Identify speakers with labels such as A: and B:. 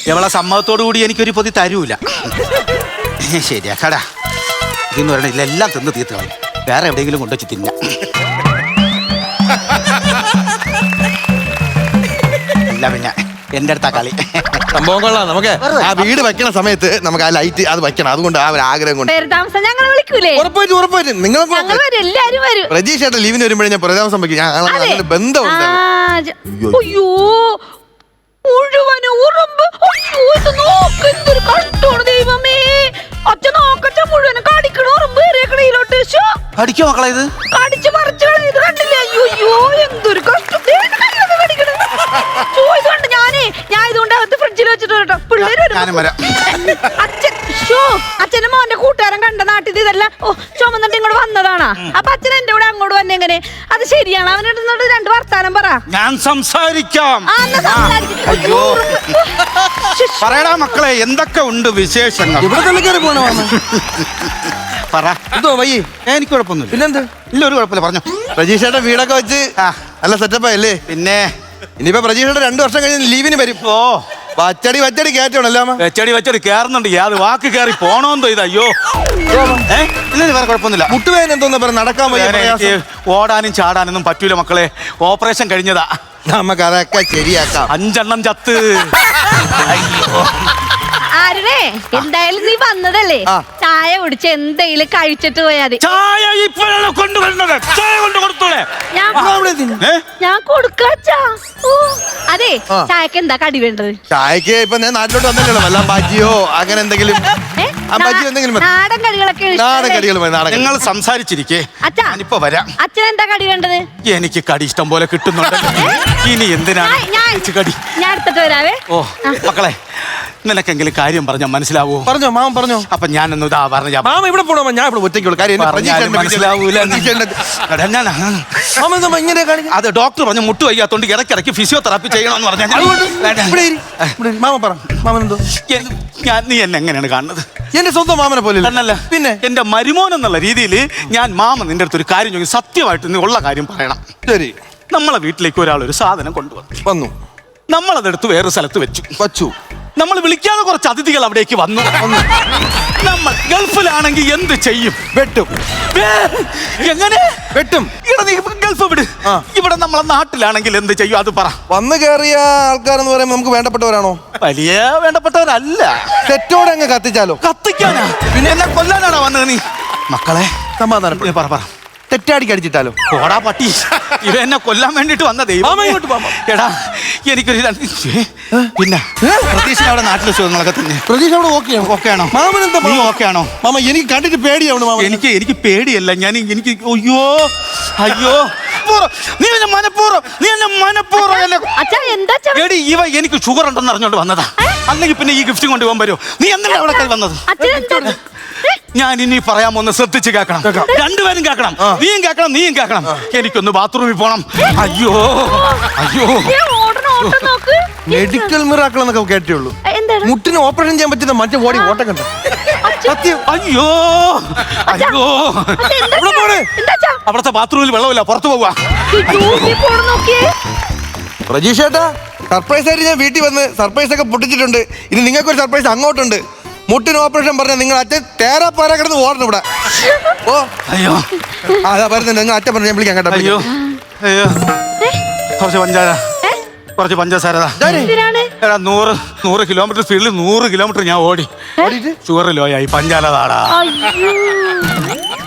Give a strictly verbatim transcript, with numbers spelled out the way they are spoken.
A: എവളെ സമ്മതത്തോടു കൂടി എനിക്കൊരു പൊതി തരൂല. ശരിയാക്കാടാ. ഇതെന്ന് പറയണ ഇതെല്ലാം തിന്ന് തീർത്ത് കളയും. വേറെ എവിടെയെങ്കിലും കൊണ്ടുവച്ച് തിന്ന. ഇല്ല പിന്നെ എന്റെ അടുത്താ കളി.
B: സംഭവം കൊള്ളാം. നമുക്ക് ആ വീട് വെക്കണ സമയത്ത് നമുക്ക് ആ ലൈറ്റ് അത് വെക്കണം. അതുകൊണ്ട് ആ ഒരു ആഗ്രഹം കൊണ്ട്
C: ഞങ്ങൾ വിളിക്കൂലേ?
B: ഉറപ്പായിട്ടും ഉറപ്പായിട്ടും നിങ്ങൾ പ്രജീഷ് ഏട്ടൻ ലീവിന് വരുമ്പോഴേ ഞാൻ പുനരാമസം വയ്ക്കും. ഞാൻ ബന്ധമുണ്ട്.
C: അയ്യോ മുഴുവനും ഉറുമ്പ്. അയ്യോ ഇത് നോക്ക്, എന്തൊരു കഷ്ടമാണ് ദൈവമേ. അച്ഛൻ നോക്കച്ച മുഴുവനും കടിക്കണ ഉറുമ്പ് കയറിയക്കണയിലോട്ട്.
A: കടിക്കോ മക്കളെ? ഇത്
C: കടിച്ചു മറിച്ചു ഇത് കണ്ടില്ലേ? അയ്യോ എന്തൊരു കഷ്ടം. ഇതുകൊണ്ട് ഞാനേ ഞാൻ ഇതുകൊണ്ട് അകത്ത് ഫ്രിഡ്ജിൽ വെച്ചിട്ട് കേട്ടോ. പിള്ളേര് അച്ഛൻ അച്ഛനും മോന്റെ കൂട്ടുകാരൻ കണ്ട നാട്ടിൽ ഇതെല്ലാം ഓ ചുമന്നിട്ട് ഇങ്ങോട്ട് വന്നതാണാ. അപ്പൊ അച്ഛൻ എന്റെ കൂടെ അങ്ങോട്ട് വന്നെ എങ്ങനെ? അത് ശരിയാണ്. അവനോട് രണ്ട് വർത്താനം പറ.
A: ഞാൻ സംസാരിക്കാം. പറയടാ മക്കളെ, എന്തൊക്കെ ഉണ്ട് വിശേഷങ്ങൾ?
B: ഇവിടെ തന്നെ കയറി പോണോ?
A: പറ. എന്തോ വയ്യേ? എനിക്ക് കുഴപ്പമൊന്നുമില്ല. പിന്നെന്ത്? ഇല്ല, ഒരു കുഴപ്പമില്ല, പറഞ്ഞു.
B: പ്രജീഷേട്ട വീടൊക്കെ വെച്ച് നല്ല സെറ്റപ്പായല്ലേ? പിന്നെ ഇനിയിപ്പോ പ്രജീഷേട്ട രണ്ടു വർഷം കഴിഞ്ഞ് ലീവിന് വരും. ഓ വച്ചടി വച്ചടി കയറ്റണല്ലോ.
A: വെച്ചടി വച്ചടി കയറുന്നുണ്ട്. യാത് വാക്ക് കയറി പോണോന്തോ ഇത്. അയ്യോ ഇല്ല, വേറെ കുഴപ്പമൊന്നുമില്ല.
B: മുട്ടുവേദന എന്തോന്ന് പറഞ്ഞ നടക്കാൻ പോയി.
A: ഓടാനും ചാടാനൊന്നും പറ്റൂല മക്കളെ. ഓപ്പറേഷൻ കഴിഞ്ഞതാ.
B: നമുക്ക് അതൊക്കെ ശരിയാക്കാം.
A: അഞ്ചെണ്ണം ചത്ത്.
C: ആരുടെ എന്തായാലും നീ വന്നതല്ലേ, ചായ കുടിച്ച് എന്തെങ്കിലും കഴിച്ചിട്ട് പോയാ മതി.
A: ചായ ഇപ്പോഴാണ് കൊണ്ടുവരുന്നത്. ചായ കൊണ്ട് കൊടുത്തോളെ.
C: ഞാൻ കൊടുക്കാച്ചാ. അതെ, ചായക്ക് എന്താ കടി വേണ്ടത്?
B: ചായക്ക് ഇപ്പൊ ഞാൻ നാട്ടിലോട്ട് വന്നല്ലോ. വല്ല ബജിയോ അങ്ങനെ എന്തെങ്കിലും
C: നാടൻ കടികളൊക്കെ.
B: നാടൻ കടികൾ
A: നിങ്ങൾ സംസാരിച്ചിരിക്കേ. ഞാനിപ്പോ വരാം.
C: അച്ഛൻ എന്താ കടി വേണ്ടത്?
A: എനിക്ക് കടി ഇഷ്ടം പോലെ കിട്ടുന്നുണ്ട്. ഇനി എന്തിനാണ് കടി?
C: ഞാൻ എടുത്തിട്ട് വരാവേ.
A: ഓ മക്കളെ, നിനക്കെങ്കിലും കാര്യം പറഞ്ഞാൽ മനസ്സിലാവൂ?
B: പറഞ്ഞോ മാമ പറഞ്ഞോ.
A: അപ്പൊ ഞാനൊന്ന് ഇതാ പറഞ്ഞ
B: മാമ ഇവിടെ പോണോ? ഞാൻ ഇവിടെ ഒറ്റയ്ക്കുള്ള കാര്യം
A: മനസ്സിലാവൂല. അത് ഡോക്ടർ പറഞ്ഞു മുട്ട് വയ്യാത്തോണ്ട് ഇടയ്ക്കിടയ്ക്ക് ഫിസിയോതെറാപ്പി ചെയ്യണമെന്ന് പറഞ്ഞു.
B: മാമ പറ. മാമനെന്തോ?
A: ഞാൻ നീ എന്നെ എങ്ങനെയാണ് കാണുന്നത്?
B: എന്റെ സ്വന്തം മാമനെ പോലെ
A: എന്നല്ല, പിന്നെ എന്റെ മരുമോൻ എന്നുള്ള രീതിയിൽ ഞാൻ മാമ നിന്റെ അടുത്തൊരു കാര്യം ചോദിക്കും. സത്യമായിട്ട് നീ ഉള്ള കാര്യം പറയണം.
B: ശരി.
A: നമ്മളെ വീട്ടിലേക്ക് ഒരാൾ ഒരു സാധനം കൊണ്ടുവന്നു
B: വന്നു.
A: നമ്മളതെടുത്ത് വേറെ സ്ഥലത്ത് വെച്ചു
B: വച്ചു
A: നമ്മൾ വിളിക്കാതെ കുറച്ച് അതിഥികൾ അവിടേക്ക് വന്നു. നമ്മൾ ഗൾഫിലാണെങ്കിൽ എന്ത് ചെയ്യും?
B: വെട്ടും.
A: എങ്ങനെ
B: വെട്ടും?
A: ഇവിടെ നീ ഗൾഫ് വിട്. ഇവിടെ നമ്മളെ നാട്ടിലാണെങ്കിൽ എന്ത് ചെയ്യും? അത് പറ.
B: വന്നു കയറിയ ആൾക്കാരെന്ന് പറയുമ്പോൾ നമുക്ക് വേണ്ടപ്പെട്ടവരാണോ?
A: വലിയ വേണ്ടപ്പെട്ടവരല്ല.
B: തെറ്റോടെ അങ്ങ് കത്തിച്ചാലോ?
A: കത്തിക്കാനാ? പിന്നെ എന്നെ കൊല്ലാനാണോ വന്നത് നീ? മക്കളെ
B: സമാധാനം
A: പറ പറ.
B: തെറ്റാടിക്ക് അടിച്ചിട്ടാലോ?
A: ഓടാ പട്ടി, ഇവ എന്നെ കൊല്ലാൻ വേണ്ടിട്ട് വന്ന ദൈവം. എടാ എനിക്കൊരു പിന്നെ പ്രതീക്ഷ അവിടെ നാട്ടിലെ സുഖങ്ങളൊക്കെ തന്നെ.
B: പ്രതീക്ഷ അവിടെ ഓക്കെയാണോ?
A: ഓക്കെയാണോ?
B: മാമനെന്താ
A: നീ ഓക്കെയാണോ?
B: മാമ എനിക്ക് കണ്ടിട്ട് പേടിയാവണം. മാമ
A: എനിക്ക് എനിക്ക് പേടിയല്ല. ഞാൻ എനിക്ക് അയ്യോ അയ്യോ നീ എന്നെ മനഃപൂർവ്വം നീ എന്നെ മനഃപൂർവ്വം എടി ഇവ എനിക്ക് ഷുഗർ ഉണ്ടെന്ന് അറിഞ്ഞോണ്ട് വന്നതാ. അല്ലെങ്കിൽ പിന്നെ ഈ ഗിഫ്റ്റ് കൊണ്ടുപോകാൻ വരുമോ? നീ എന്തിനാ അവിടെ വന്നത്? ഞാൻ ഇനി പറയാൻ ഒന്ന് ശ്രദ്ധിച്ച് കേൾക്കണം. രണ്ടുപേരും കേൾക്കണം. നീയും കേൾക്കണം നീയും കേൾക്കണം. എനിക്കൊന്ന് ബാത്റൂമിൽ പോണം. അയ്യോ അയ്യോ.
B: മെഡിക്കൽ മിറാക്കിൾ എന്നൊക്കെ കേട്ടുള്ളൂ. മുട്ടിന് ഓപ്പറേഷൻ ചെയ്യാൻ പറ്റുന്ന മറ്റേ ബോഡി ഓട്ടം കണ്ട സത്യം.
A: അയ്യോ അയ്യോ. അവിടുത്തെ ബാത്റൂമിൽ വെള്ളമില്ല, പുറത്തു പോവാ.
B: പ്രജീഷേട്ടാ, സർപ്രൈസ് ആയിട്ട് ഞാൻ വീട്ടിൽ വന്ന് സർപ്രൈസ് ഒക്കെ പൊട്ടിച്ചിട്ടുണ്ട്. ഇനി നിങ്ങൾക്കൊരു സർപ്രൈസ് അങ്ങോട്ടുണ്ട്. മുട്ടിന് ഓപ്പറേഷൻ പറഞ്ഞ നിങ്ങൾ അച്ഛൻ തേരാപ്പാര കിടന്ന് ഓടണം ഇവിടെ. ഓ
A: അയ്യോ
B: അതാ പറയുന്നത്. നിങ്ങൾ അച്ഛൻ പറഞ്ഞ ഞാൻ വിളിക്കാൻ കേട്ടോ.
A: അയ്യോ അയ്യോ. കുറച്ച് പഞ്ചാര കുറച്ച് പഞ്ചസാര. എടാ നൂറ് നൂറ് കിലോമീറ്റർ സ്പീഡിൽ നൂറ് കിലോമീറ്റർ ഞാൻ ഓടി. ഷുഗർ ലോ ആയി. പഞ്ചാര താടാ.